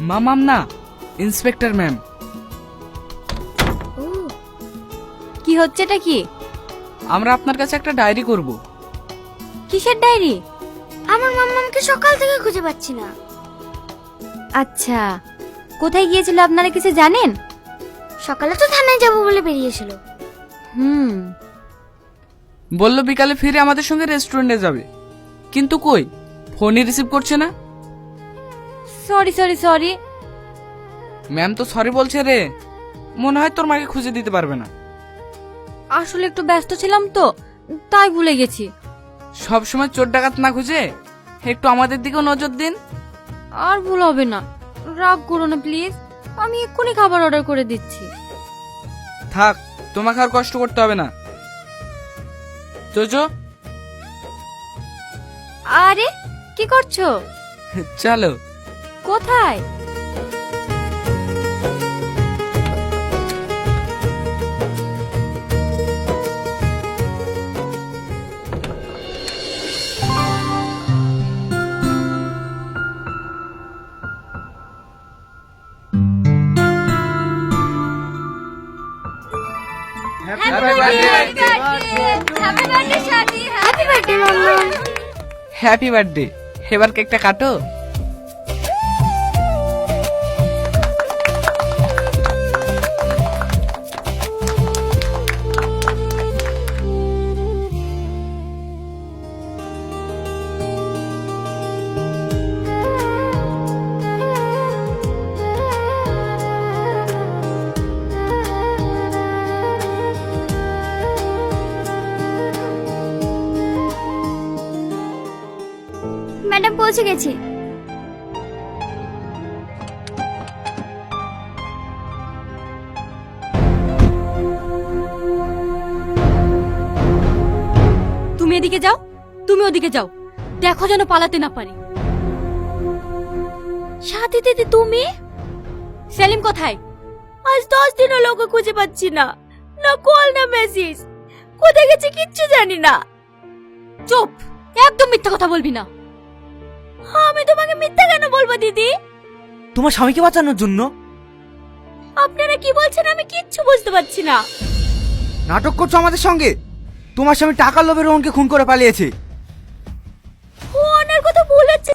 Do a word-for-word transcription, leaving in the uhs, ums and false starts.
মামাম না, inspector ma'am. ও, কি হচ্ছে এটা কি? আমরা আপনার কাছে একটা ডায়েরি করব। কিসের ডায়েরি? আমার মাম্মামকে সকাল থেকে খুঁজে পাচ্ছি না। আচ্ছা, কোথায় গিয়েছিল আপনারা কিছু জানেন? সকালে তো থানায় যাব বলে বেরিয়েছিল। হুম, বললো বিকালে ফিরে আমাদের সঙ্গে রেস্টুরেন্টে যাবে, কিন্তু কই ফোনই রিসিভ করছে না। Sorry sorry sorry. ম্যাম তো সরি বলছে রে, মনে হয় তোর মাকে খুঁজে দিতে পারবে না। আসলে একটু ব্যস্ত ছিলাম তো, তাই ভুলে গেছি। সব সময় চোর ডাকাত না খুঁজে একটু আমাদের দিকেও নজর দিন। আর ভুল হবে না, রাগ করো না প্লিজ। আমি এক্ষুনি খাবার অর্ডার করে দিচ্ছি। থাক, তোমাকে আর কষ্ট করতে হবে না। চোচো, আরে কি করছো? চলো। কোথায়? Happy birthday Mammam. Happy birthday. এবার কেকটা কাটো। ম্যাডাম পৌঁছে গেছি। তুমি এদিকে যাও, তুমি ওদিকে যাও, দেখো যেন পালাতে না পারি। সাথী দিদি তুমি? সেলিম কোথায়? আজ দশ দিন হলো ওকে খুঁজে পাচ্ছি না, না কল না মেসেজ। কোথায় গেছে কিচ্ছু জানি না। চুপ, একদম মিথ্যা কথা বলবি না। আমি তোমাকে মিথ্যা কেন বলবো দিদি? তোমার স্বামীকে বাঁচানোর জন্য। আপনারা কি বলছেন আমি কিচ্ছু বুঝতে পারছি না। নাটক করছো আমাদের সঙ্গে। তোমার স্বামী টাকার লোভে রোহনকে খুন করে পালিয়েছে।